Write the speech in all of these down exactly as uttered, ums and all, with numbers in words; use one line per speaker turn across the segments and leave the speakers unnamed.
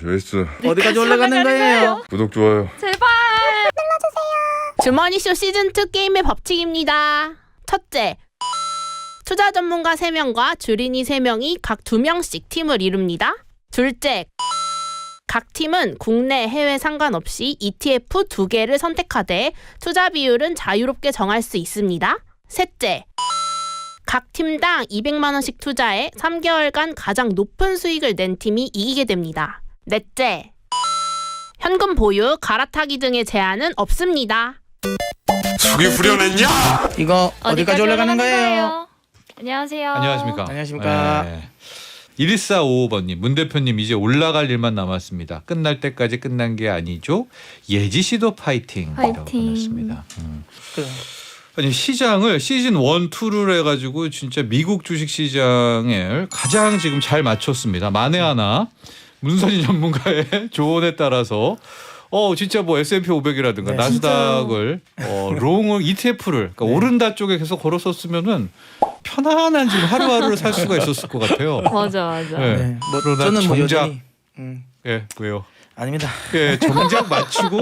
제이스
어디까지 올라가는 거예요?
구독 좋아요
제발 눌러주세요. 주머니쇼 시즌이 게임의 법칙입니다. 첫째, 투자 전문가 세 명과 주린이 세 명이 각 두 명씩 팀을 이룹니다. 둘째, 각 팀은 국내, 해외 상관없이 이티에프 두 개를 선택하되 투자 비율은 자유롭게 정할 수 있습니다. 셋째, 각 팀당 이백만 원씩 투자해 삼 개월간 가장 높은 수익을 낸 팀이 이기게 됩니다. 넷째, 현금 보유, 갈아타기 등의 제한은 없습니다.
속이 후련했냐?
이거 어디까지 올라가는 거예요?
안녕하세요.
안녕하십니까.
안녕하십니까.
네. 일사오오 번님, 문 대표님 이제 올라갈 일만 남았습니다. 끝날 때까지 끝난 게 아니죠. 예지 씨도 파이팅이라고
파이팅.
보냈습니다. 음.
그래.
아니 시장을 시즌 일, 이를 해가지고 진짜 미국 주식 시장을 가장 지금 잘 맞췄습니다. 만에 하나 문선희 전문가의 조언에 따라서 어 진짜 뭐 에스앤피 오백이라든가
네,
나스닥을 어, 롱을 이티에프를 그러니까
네.
오른다 쪽에 계속 걸었었으면은 편안한 지금 하루하루를 살 수가 있었을 것 같아요.
맞아 맞아.
네.
네. 뭐
그러나
저는 뭐
정작
여전히 음,
예 왜요?
아닙니다.
예 정작 맞추고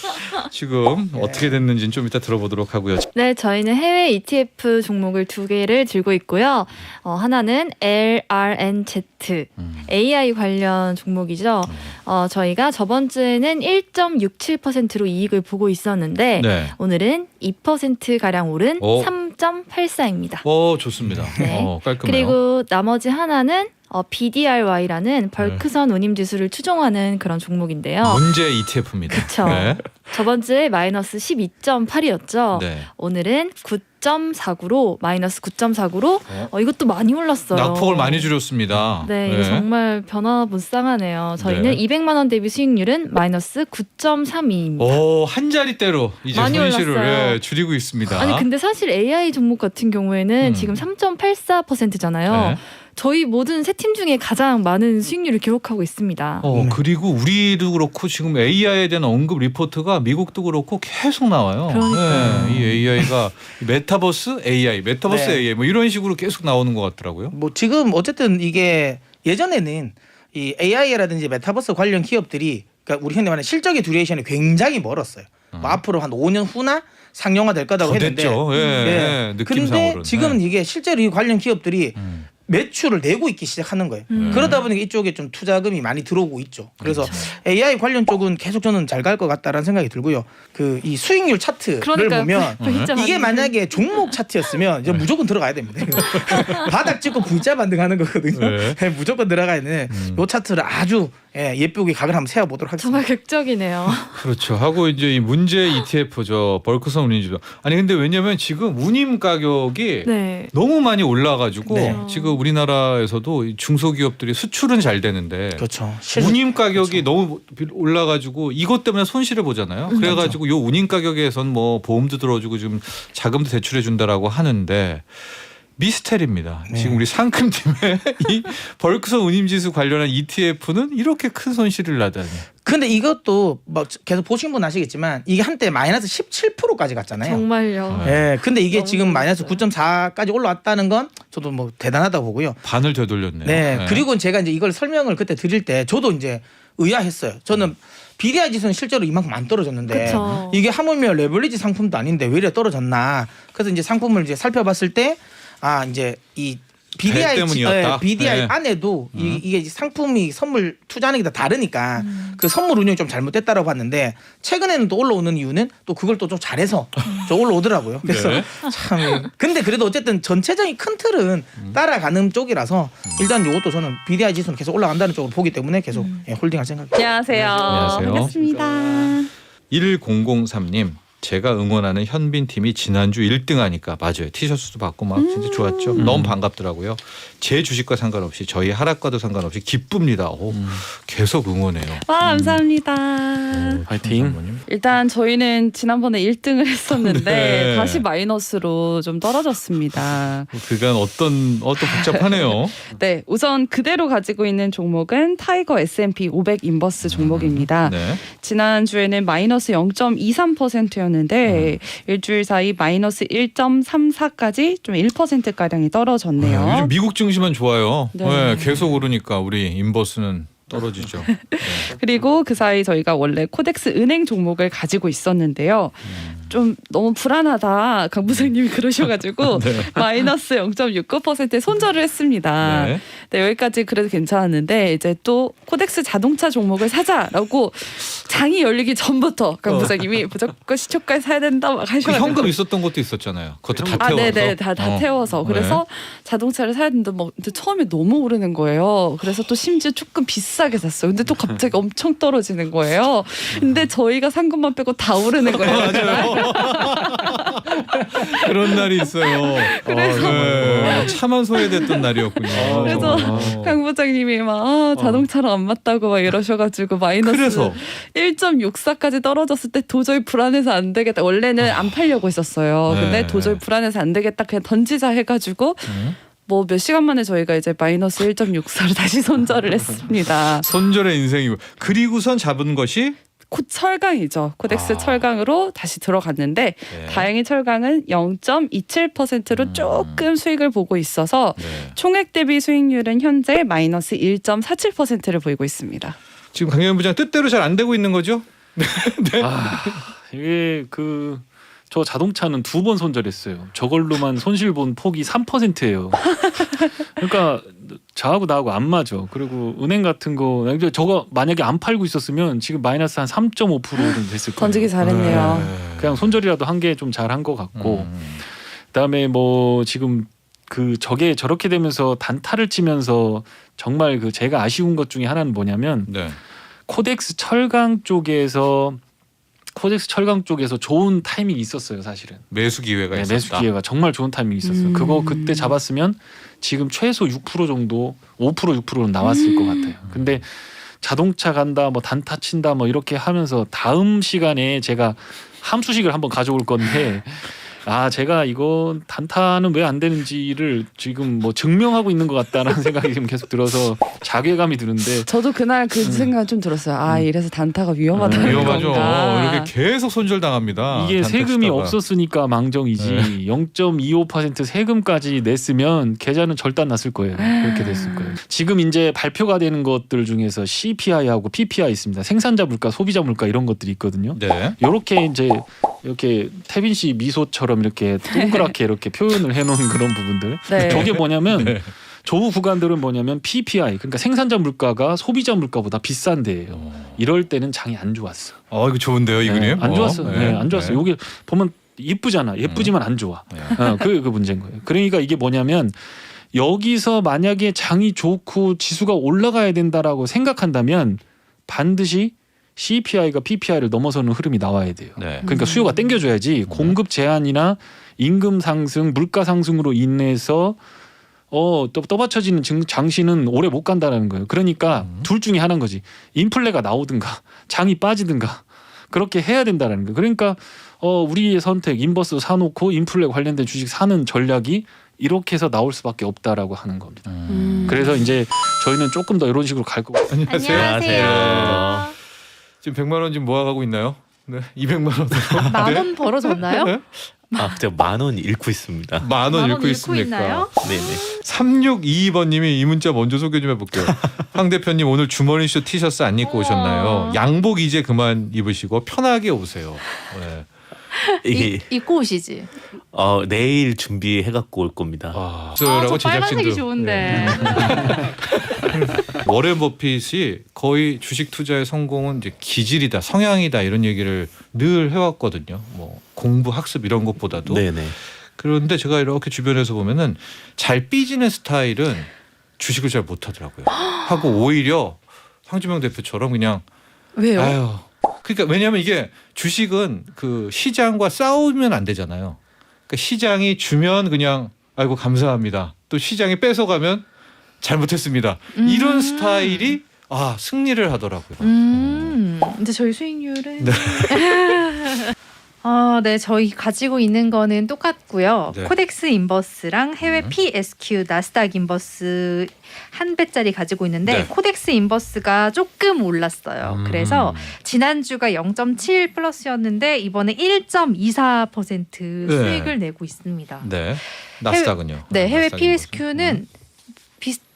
지금 어떻게 됐는지는 좀 이따 들어보도록 하고요.
네, 저희는 해외 이티에프 종목을 두 개를 들고 있고요. 어, 하나는 엘알엔지,
음.
에이아이 관련 종목이죠. 어, 저희가 저번 주에는 일 점 육칠 퍼센트로 이익을 보고 있었는데
네.
오늘은 이 퍼센트 가량 오른
오.
삼 점 팔사입니다.
어 좋습니다.
네.
어, 깔끔해요.
그리고 나머지 하나는 어, 비디알와이라는 벌크선 운임 지수를 추종하는 그런 종목인데요.
문제 이티에프입니다.
그쵸.
네.
저번 주에 마이너스 십이 점 팔이었죠.
네.
오늘은 구 점 사구로 마이너스 구 점 사구로
어?
어, 이것도 많이 올랐어요.
낙폭을 많이 줄였습니다.
네, 이거 정말 변화무쌍하네요. 저희는
네.
이백만 원 대비 수익률은 마이너스 구 점 삼이입니다.
오, 한 자리대로 이제
많이
손실을
올랐어요.
예, 줄이고 있습니다.
아니 근데 사실 에이아이 종목 같은 경우에는
음.
지금 삼 점 팔사 퍼센트잖아요.
네.
저희 모든 세 팀 중에 가장 많은 수익률을 기록하고 있습니다.
어,
네.
그리고 우리도 그렇고 지금 에이아이에 대한 언급 리포트가 미국도 그렇고 계속 나와요.
그러니까요.
네, 이 에이아이가 메타버스 에이아이, 메타버스
네.
에이아이 뭐 이런 식으로 계속 나오는 것 같더라고요.
뭐 지금 어쨌든 이게 예전에는 이 에이아이라든지 메타버스 관련 기업들이 그러니까 우리 흔히 말하는 실적의 듀레이션이 굉장히 멀었어요.
음.
뭐 앞으로 한 오 년 후나 상용화 될 거다고
더
했는데.
됐죠. 예, 예,
근데
느낌상으로는.
지금은
네.
이게 실제로 이 관련 기업들이
음.
매출을 내고 있기 시작하는 거예요.
음.
그러다 보니까 이쪽에 좀 투자금이 많이 들어오고 있죠. 그래서
그렇죠.
에이아이 관련 쪽은 계속 저는 잘 갈 것 같다라는 생각이 들고요. 그 이 수익률 차트를
그러니까요.
보면
V자
이게
반등.
만약에 종목 차트였으면 이제 무조건 들어가야 됩니다. 바닥 찍고 V자 반등하는 거거든요.
네.
네, 무조건 들어가야 되는
음.
요 차트를 아주 예, 예쁘게 각을 한번 세워보도록 하겠습니다.
정말 극적이네요.
그렇죠. 하고 이제 이 문제 이티에프 저 벌크선 운임지수. 아니 근데 왜냐면 지금 운임 가격이
네.
너무 많이 올라가지고
네.
지금 우리나라에서도 이 중소기업들이 수출은 잘 되는데
그렇죠. 실수-
운임 가격이
그렇죠.
너무 올라가지고 이것 때문에 손실을 보잖아요. 그래가지고 요 운임 가격에선 뭐 보험도 들어주고 지금 자금도 대출해 준다라고 하는데 미스테리입니다.
네.
지금 우리 상큼팀의 이 벌크선 운임지수 관련한 이티에프는 이렇게 큰 손실을 나다니.
근데 이것도 뭐 계속 보신 분 아시겠지만 이게 한때 마이너스 십칠 퍼센트까지 갔잖아요.
정말요.
네.
예, 근데 이게
너무
지금 마이너스
놀랐어요.
구 점 사까지 올라왔다는 건 저도 뭐 대단하다고 보고요.
반을 되돌렸네요.
네, 그리고 제가 이제 이걸 설명을 그때 드릴 때 저도 이제 의아했어요. 저는 비디아이 지수는 실제로 이만큼 안 떨어졌는데
그쵸.
이게 하물며 레버리지 상품도 아닌데 왜 이래 떨어졌나? 그래서 이제 상품을 이제 살펴봤을 때 아 이제 이 비디아이 지-
때문이었다?
예, 비디아이
네.
안에도 이,
음.
이게 상품이 선물 투자하는 게 다 다르니까
음.
그 선물 운영이 좀 잘못됐다라고 봤는데 최근에는 또 올라오는 이유는 또 그걸 또 좀 잘해서 좀 올라오더라고요. 그래서
네.
참 예. 근데 그래도 어쨌든 전체적인 큰 틀은 따라가는 쪽이라서 일단 이것도 저는 비디아이 지수는 계속 올라간다는 쪽으로 보기 때문에 계속 예, 홀딩할 생각입니다.
안녕하세요.
안녕하세요.
반갑습니다.
일공공삼 님 제가 응원하는 현빈 팀이 지난주 일 등 하니까 맞아요. 티셔츠도 받고 막 진짜 좋았죠. 너무 반갑더라고요. 제 주식과 상관없이 저희 하락과도 상관없이 기쁩니다. 오, 계속 응원해요.
와 감사합니다.
파이팅.
일단 저희는 지난번에 일 등을 했었는데
네.
다시 마이너스로 좀 떨어졌습니다.
그간 어떤 어떤 복잡하네요.
네, 우선 그대로 가지고 있는 종목은 타이거 에스앤피 오백 인버스 종목입니다.
네.
지난주에는 마이너스 영 점 이삼 퍼센트였는데 일주일 사이 마이너스 일 점 삼사까지 좀 일 퍼센트가량이 떨어졌네요.
아, 요즘 미국 증시만 좋아요.
네.
네, 계속 오르니까 우리 인버스는 떨어지죠. 네.
그리고 그 사이 저희가 원래 코덱스 은행 종목을 가지고 있었는데요. 좀 너무 불안하다 강 부장님이 그러셔가지고
네.
마이너스 영 점 육구 퍼센트에 손절을 했습니다.
네.
네, 여기까지 그래도 괜찮았는데 이제 또 코덱스 자동차 종목을 사자라고 장이 열리기 전부터 강
어.
부장님이 무조건 시초가에 사야 된다 막
그
하셔가지고
현금 있었던 것도 있었잖아요. 그것도 다
아,
태워서.
네네, 다, 다
어.
태워서. 그래서 자동차를 사야 되는데, 뭐, 근데 처음에 너무 오르는 거예요. 그래서 또 심지어 조금 비싸게 샀어요. 근데 또 갑자기 엄청 떨어지는 거예요. 근데 저희가 산 것만 빼고 다 오르는 거예요.
맞아요. 그런 날이 있어요.
그래서-
어, 네. 차만 소외됐던 날이었군요.
그래서
어.
강 부장님이 막 아, 자동차랑 안 맞다고 막 이러셔가지고 마이너스
그래서
일 점 육사까지 떨어졌을 때 도저히 불안해서 안 되겠다. 원래는 안 팔려고 했었어요.
네.
근데 도저히 불안해서 안 되겠다. 그냥 던지자 해가지고
음.
뭐 몇 시간 만에 저희가 이제 마이너스 일 점 육사로 다시 손절을 했습니다.
손절의 인생이고 그리고선 잡은 것이
코 철강이죠. 코덱스
아.
철강으로 다시 들어갔는데
네.
다행히 철강은 영 점 이칠 퍼센트로
음.
조금 수익을 보고 있어서
네.
총액 대비 수익률은 현재 마이너스 일 점 사칠 퍼센트를 보이고 있습니다.
지금 강현 부장 뜻대로 잘 안 되고 있는 거죠?
아, 이게 그 저 자동차는 두 번 손절했어요. 저걸로만 손실 본 폭이 삼 퍼센트예요. 그러니까 저하고 나하고 안 맞아. 그리고 은행 같은 거 저거 만약에 안 팔고 있었으면 지금 마이너스 한 삼 점 오 퍼센트는 됐을 거예요.
던지기 잘했네요.
네.
그냥 손절이라도 한 게 좀 잘한 것 같고
음.
그다음에 뭐 지금 그 저게 저렇게 되면서 단타를 치면서 정말 그 제가 아쉬운 것 중에 하나는 뭐냐면
네.
코덱스 철강 쪽에서 코덱스 철강 쪽에서 좋은 타이밍이 있었어요, 사실은.
매수 기회가
네,
있었다.
매수 기회가 정말 좋은 타이밍이 있었어요.
음.
그거 그때 잡았으면 지금 최소 육 퍼센트 정도, 오 퍼센트 육 퍼센트는 나왔을 것 같아요. 근데 자동차 간다, 뭐 단타 친다, 뭐 이렇게 하면서 다음 시간에 제가 함수식을 한번 가져올 건데. 아, 제가 이거 단타는 왜 안 되는지를 지금 뭐 증명하고 있는 것 같다라는 생각이 지금 계속 들어서 자괴감이 드는데
저도 그날 그 생각 좀 들었어요. 아 이래서 단타가 위험하다는
음,
위험하죠.
건가.
이렇게 계속 손절 당합니다.
이게 세금이
단타
없었으니까 망정이지
네.
영 점 이오 퍼센트 세금까지 냈으면 계좌는 절단 났을 거예요. 그렇게 됐을 거예요. 지금 이제 발표가 되는 것들 중에서 씨피아이하고 피피아이 있습니다. 생산자 물가, 소비자 물가 이런 것들이 있거든요.
네.
이렇게 이제 이렇게 태빈 씨 미소처럼 이렇게 동그랗게 이렇게 표현을 해놓은 그런 부분들.
네.
저게 뭐냐면
네.
조 구간들은 뭐냐면 피피아이 그러니까 생산자 물가가 소비자 물가보다 비싼 데예요. 이럴 때는 장이 안 좋았어.
어 이거 좋은데요, 이
네,
그림?
안
어,
좋았어. 네, 안 좋았어.
네.
요게 보면 예쁘잖아. 예쁘지만 안 좋아.
네.
어, 그, 그 문제인 거예요. 그러니까 이게 뭐냐면 여기서 만약에 장이 좋고 지수가 올라가야 된다라고 생각한다면 반드시 씨피아이가 피피아이를 넘어서는 흐름이 나와야 돼요.
네.
그러니까 수요가 땡겨줘야지 공급 제한이나 임금 상승, 물가 상승으로 인해서 어, 또 떠받쳐지는 증- 장시는 오래 못 간다는 거예요. 그러니까
음.
둘 중에 하나인 거지. 인플레가 나오든가 장이 빠지든가 그렇게 해야 된다는 거예요. 그러니까 어, 우리의 선택 인버스 사놓고 인플레 관련된 주식 사는 전략이 이렇게 해서 나올 수밖에 없다라고 하는 겁니다.
음.
그래서 이제 저희는 조금 더 이런 식으로 갈 거고.
안녕하세요.
안녕하세요.
지금 백만 원 지금 모아가고 있나요? 네. 이백만 원으로
만 원 벌어졌나요?
네?
아, 제가 만 원 잃고 있습니다.
만 원
만
읽고
원
있습니까?
있나요?
네네.
삼육이이 번님이 이 문자 먼저 소개 좀 해볼게요. 황 대표님 오늘 주머니쇼 티셔츠 안 입고
우와.
오셨나요? 양복 이제 그만 입으시고 편하게 오세요. 네.
이게
이, 입고 오시지.
어, 내일 준비해 갖고 올 겁니다.
아,
아, 저
라고
빨간색이
제작진도.
좋은데.
워렌 버핏이 거의 주식 투자의 성공은 이제 기질이다, 성향이다 이런 얘기를 늘 해왔거든요. 뭐 공부, 학습 이런 것보다도.
네네.
그런데 제가 이렇게 주변에서 보면은 잘 삐지는 스타일은 주식을 잘 못하더라고요. 하고 오히려 황주명 대표처럼 그냥
왜요?
아유. 그러니까 왜냐하면 이게 주식은 그 시장과 싸우면 안 되잖아요. 그러니까 시장이 주면 그냥 아이고 감사합니다. 또 시장이 뺏어가면 잘못했습니다.
음.
이런 스타일이 아 승리를 하더라고요.
음. 근데 저희 수익률은
네.
어, 네, 저희 가지고 있는 거는 똑같고요.
네.
코덱스 인버스랑 해외
음.
피에스큐 나스닥 인버스 한 배짜리 가지고 있는데
네.
코덱스 인버스가 조금 올랐어요.
음.
그래서 지난주가 영 점 칠 플러스였는데 이번에 일 점 이사 퍼센트
네.
수익을 내고 있습니다.
네. 나스닥은요.
네, 해외
나스닥
피에스큐는 비슷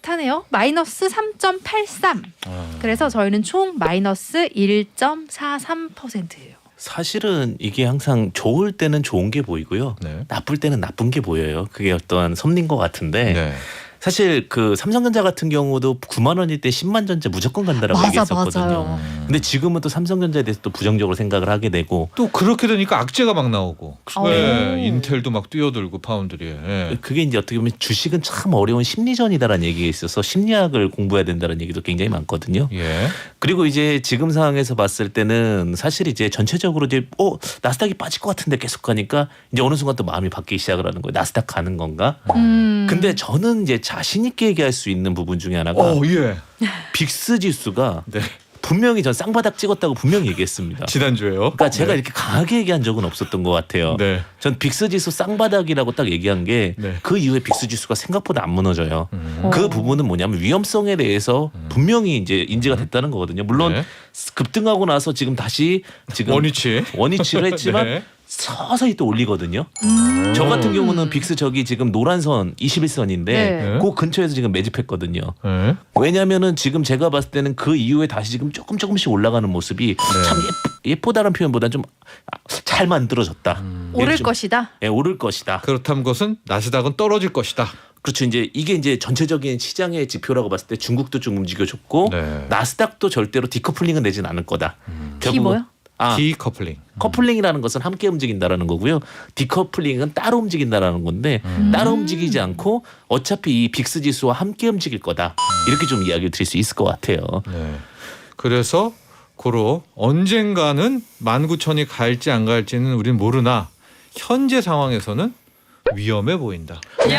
비슷하네요. 마이너스 삼 점 팔삼.
아.
그래서 저희는 총 마이너스 일 점 사삼 퍼센트예요.
사실은 이게 항상 좋을 때는 좋은 게 보이고요.
네.
나쁠 때는 나쁜 게 보여요. 그게 어떠한 섭리인 것 같은데
네.
사실 그 삼성전자 같은 경우도 구만 원일 때 십만 전자 무조건 간다라고
맞아,
얘기했었거든요.
맞아요.
근데 지금은 또 삼성전자에 대해서 또 부정적으로 생각을 하게 되고
또 그렇게 되니까 악재가 막 나오고
오.
네. 인텔도 막 뛰어들고 파운드리에. 네.
그게 이제 어떻게 보면 주식은 참 어려운 심리전이다라는 얘기가 있어서 심리학을 공부해야 된다는 얘기도 굉장히 많거든요.
예.
그리고 이제 지금 상황에서 봤을 때는 사실 이제 전체적으로 이제 어 나스닥이 빠질 것 같은데 계속 가니까 이제 어느 순간 또 마음이 바뀌기 시작을 하는 거예요. 나스닥 가는 건가?
음.
근데 저는 이제 자신 있게 얘기할 수 있는 부분 중에 하나가
어, 예.
빅스 지수가
네.
분명히 전 쌍바닥 찍었다고 분명히 얘기했습니다.
지난주에요.
그러니까 제가
네.
이렇게 강하게 얘기한 적은 없었던 것 같아요.
네.
전 빅스 지수 쌍바닥이라고 딱 얘기한 게 그
네.
이후에 빅스 지수가 생각보다 안 무너져요.
음.
그 부분은 뭐냐면 위험성에 대해서 분명히 이제 인지가 됐다는 거거든요. 물론
네.
급등하고 나서 지금 다시 지금
원위치.
원위치를 했지만
네.
서서히 또 올리거든요.
음.
저 같은 경우는 빅스 저기 지금 노란선 이십일 선인데
네.
그 근처에서 지금 매집했거든요.
네.
왜냐하면은 지금 제가 봤을 때는 그 이후에 다시 지금 조금 조금씩 올라가는 모습이 참 예쁘, 예쁘다는 표현보다 좀 잘 만들어졌다.
오를
좀,
것이다.
예, 오를 것이다.
그렇다는 것은 나스닥은 떨어질 것이다.
그렇죠. 이제 이게 이제 전체적인 시장의 지표라고 봤을 때 중국도 좀 움직여줬고
네.
나스닥도 절대로 디커플링은 내진 않을 거다.
디 뭐요?
아,
디커플링.
커플링이라는 것은 함께 움직인다라는 거고요. 디커플링은 따로 움직인다라는 건데 따로 움직이지 않고 어차피 이 빅스 지수와 함께 움직일 거다. 이렇게 좀 이야기를 드릴 수 있을 것 같아요.
네. 그래서 고로 언젠가는 만 구천이 갈지 안 갈지는 우린 모르나 현재 상황에서는 위험해 보인다.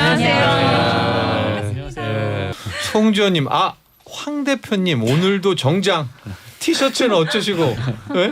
네. 송지현님, 아, 황 대표님 오늘도 정장 티셔츠는 어쩌시고? 네?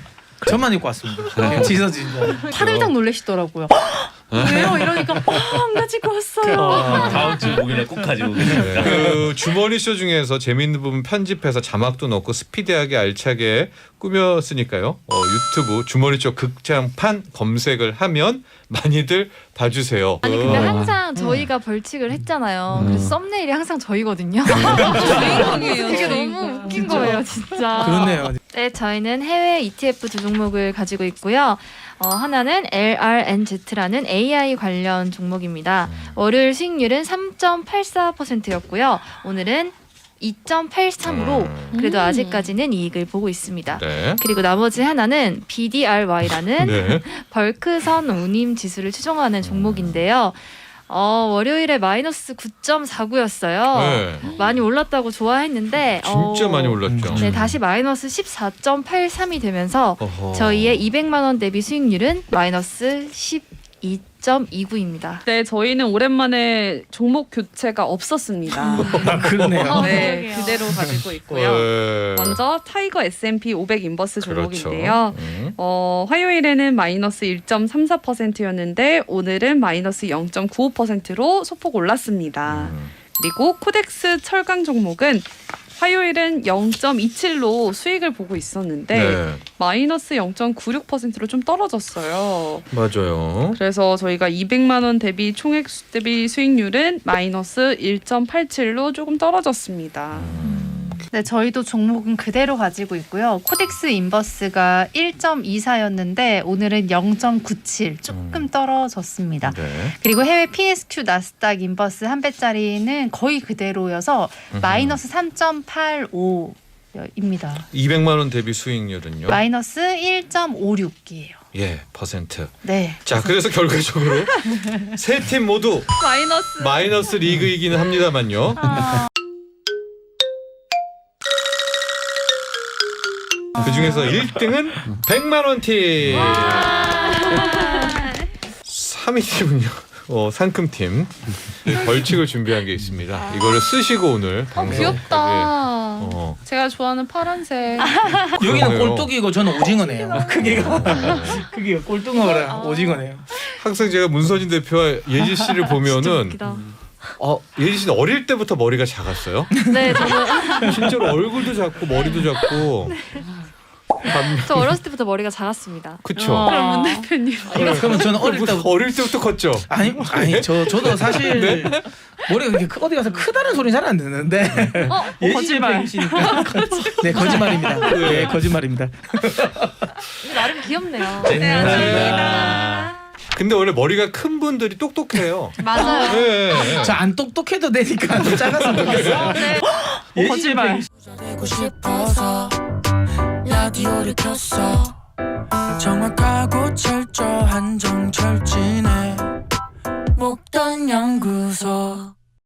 저만 입고 왔습니다. 네, 지서진 거.
파들짝 놀라시더라고요. 왜요? 이러니까 어, 안 가지고 왔어요.
다음 주 목요일에 꼭 가지고 오겠습니다.
그 주머니 쇼 중에서 재밌는 부분 편집해서 자막도 넣고 스피디하게 알차게 꾸몄으니까요. 어, 유튜브 주머니 쇼 극장판 검색을 하면 많이들 봐주세요.
아니 근데
어.
항상 저희가 벌칙을 했잖아요.
음.
그래서 썸네일이 항상 저희거든요. 주인공이에요. 그게 너무 웃긴 거예요, 진짜.
그렇네요.
네, 저희는 해외 이티에프 두 종목을 가지고 있고요. 어, 하나는 엘알엔지라는 에이아이 관련 종목입니다. 월요일 수익률은 삼 점 팔사 퍼센트였고요. 오늘은 이 점 팔삼으로 그래도
음.
아직까지는 이익을 보고 있습니다.
네.
그리고 나머지 하나는 비디알와이라는
네.
벌크선 운임 지수를 추종하는 종목인데요. 어, 월요일에 마이너스 구 점 사구였어요.
네.
많이 올랐다고 좋아했는데
진짜
어,
많이 올랐죠.
네, 다시 마이너스 십사 점 팔삼이 되면서
어허.
저희의 이백만 원 대비 수익률은 마이너스 십이 점 이구입니다.
네, 저희는 오랜만에 종목 교체가 없었습니다.
아, 그러네요.
네,
그러게요.
그대로 가지고 있고요.
네.
먼저 타이거 에스앤피 오백 인버스
그렇죠.
종목인데요.
음.
어, 화요일에는 마이너스 일 점 삼사 퍼센트였는데 오늘은 마이너스 영 점 구오 퍼센트로 소폭 올랐습니다.
음.
그리고 코덱스 철강 종목은 화요일은 영 점 이칠로 수익을 보고 있었는데
네.
마이너스 영 점 구육 퍼센트로 좀 떨어졌어요.
맞아요.
그래서 저희가 이백만 원 대비 총액 수- 대비 수익률은 마이너스 일 점 팔칠로 조금 떨어졌습니다.
네, 저희도 종목은 그대로 가지고 있고요. 코덱스 인버스가 일 점 이사였는데 오늘은 영 점 구칠 조금 떨어졌습니다.
네.
그리고 해외 피에스큐 나스닥 인버스 한 배짜리는 거의 그대로여서 마이너스 삼 점 팔오입니다.
이백만 원 대비 수익률은요?
마이너스 일 점 오육이에요.
예, 퍼센트.
네.
자, 그래서 결과적으로 세 팀 모두
마이너스.
마이너스 리그이기는 합니다만요. 그 중에서 일 등은 백만 원 팀. 삼 위 팀은요. 어, 상큼 팀. 네, 벌칙을 준비한 게 있습니다. 이거를 쓰시고 오늘 방송.
귀엽다.
어.
제가 좋아하는 파란색.
여기는
그러네요.
꼴뚜기고 저는 오징어네요. 크기가 크기가 꼴뚜기랑 오징어네요.
항상 제가 문선진 대표와 예지 씨를 보면은 어, 예지 씨는 어릴 때부터 머리가 작았어요.
네, 저는
실제로 얼굴도 작고 머리도 작고.
저 어렸을 때부터 머리가 작았습니다.
그쵸.
그럼 문 대표님.
그러면 저는 어릴 때
어릴 때부터 컸죠.
아니 아니 저 저도 사실 머리가 그렇게 크- 어디 가서 크다는 소리는 잘 안 듣는데
어, 거짓말.
예시니까 네 거짓말입니다. 네 거짓말입니다.
나름 귀엽네요.
네,
감사합니다.
근데 원래 머리가 큰 분들이 똑똑해요.
맞아요.
네.
저 안 똑똑해도 되니까 좀 작았으면 좋겠어.
네.
예시
거짓말.
되고 싶어서 라디오를 켰어. 정확하고 철저한 정철진의 목돈 연구소.